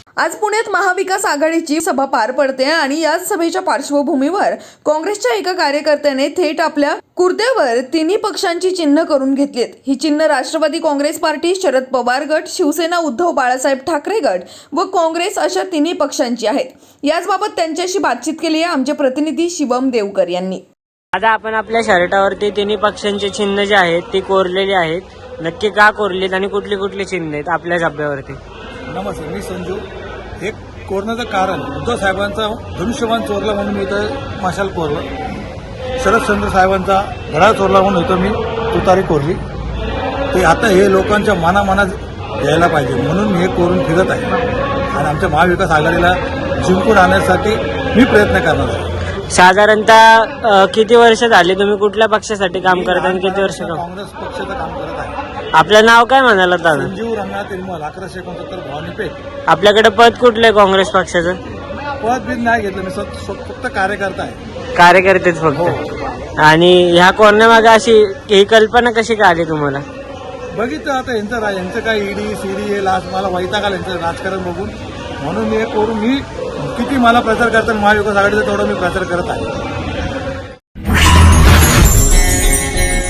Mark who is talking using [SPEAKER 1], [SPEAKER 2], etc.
[SPEAKER 1] आज पुण्यात महाविकास आघाडीची सभा पार पडते आणि याच सभेच्या पार्श्वभूमीवर काँग्रेसच्या एका कार्यकर्त्याने थेट आपल्या कुर्त्यावर तिन्ही पक्षांची चिन्ह करून घेतलीत। ही चिन्ह राष्ट्रवादी काँग्रेस पार्टी, शरद पवार गट, शिवसेना उद्धव बाळासाहेब ठाकरे गट व काँग्रेस अशा तिन्ही पक्षांची आहेत। याचबाबत त्यांच्याशी बातचीत केली आहे आमचे प्रतिनिधी शिवम देवकर यांनी।
[SPEAKER 2] आता आपण आपल्या शर्टावरती तिन्ही पक्षांची चिन्ह जी आहेत ती कोरलेली आहेत, नक्की का कोरलीत आणि कुठली कुठली चिन्ह आहेत आपल्या झब्ब्यावरती?
[SPEAKER 3] नमस्कार, मी संजू। हे कोरण्याचं कारण उद्धव साहेबांचा धनुष्यबाण चोरला म्हणून मी इथं मशाल कोरलं, शरदचंद्र साहेबांचा घड्याळ चोरला म्हणून इथं मी तुतारी कोरली। ते आता हे लोकांच्या मनात यायला पाहिजे म्हणून मी हे कोरून फिरत आहे आणि आमच्या महाविकास आघाडीला जिंकून आणण्यासाठी मी प्रयत्न करणार आहे।
[SPEAKER 2] साधारणतः किती वर्ष झाली तुम्ही कुठल्या पक्षासाठी काम करत आणि किती वर्ष
[SPEAKER 3] काँग्रेस पक्षाचं काम करत आहे।
[SPEAKER 2] आपलं नाव काय म्हणाला दादा?
[SPEAKER 3] संजीव रंगनाथ निर्मल, 1169 भवानी पेठ।
[SPEAKER 2] आपल्याकडे पद कुठलं आहे काँग्रेस पक्षाचं?
[SPEAKER 3] पद बिन नाही घेतलं, मी फक्त कार्यकर्ता आहे।
[SPEAKER 2] कार्यकर्तेच फक्त? आणि ह्या कोरण्यामागे अशी ही कल्पना कशी का आली तुम्हाला?
[SPEAKER 3] बघितलं आता यांचं काय ईडी सीडी हे लास्ट मला वैताग आला यांचं राजकारण बघून, म्हणून मी हे करून मी किती मला प्रचार करताना महाविकास आघाडीचा तेवढा मी प्रचार करत आहे।